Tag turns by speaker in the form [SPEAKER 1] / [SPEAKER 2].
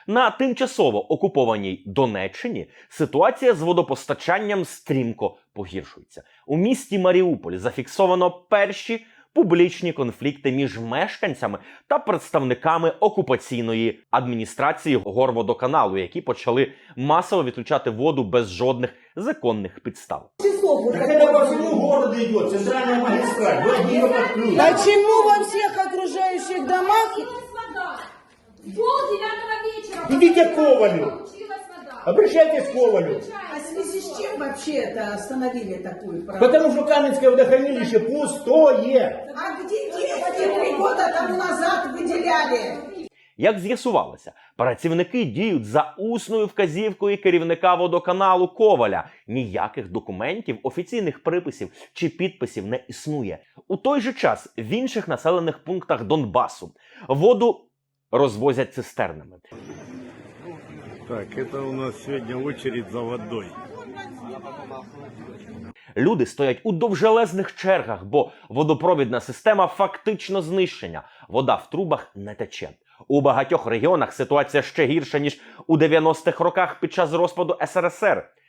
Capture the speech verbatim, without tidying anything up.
[SPEAKER 1] На тимчасово окупованій Донеччині ситуація з водопостачанням стрімко погіршується. У місті Маріуполь зафіксовано перші публічні конфлікти між мешканцями та представниками окупаційної адміністрації Горводоканалу, які почали масово відключати воду без жодних законних підстав.
[SPEAKER 2] Так это по всему городу идет, центральная магистраль, вы один ее подключите.
[SPEAKER 3] Почему во всех окружающих домах?
[SPEAKER 4] Пол девятого вечера.
[SPEAKER 2] Идите к Ковалю.
[SPEAKER 4] Включилась вода.
[SPEAKER 2] Обращайтесь к Ковалю.
[SPEAKER 3] А в связи с чем вообще это остановили такую программу?
[SPEAKER 2] Потому что Каменское водохранилище пустое.
[SPEAKER 3] А где деньги три года тому назад выделяли?
[SPEAKER 1] Як з'ясувалося, працівники діють за усною вказівкою керівника водоканалу Коваля. Ніяких документів, офіційних приписів чи підписів не існує. У той же час в інших населених пунктах Донбасу воду розвозять цистернами.
[SPEAKER 5] Так, это у нас сегодня очередь за водой.
[SPEAKER 1] Люди стоять у довжелезних чергах, бо водопровідна система фактично знищена. Вода в трубах не тече. У багатьох регіонах ситуація ще гірша, ніж у дев'яностих роках під час розпаду ес ер ес ер.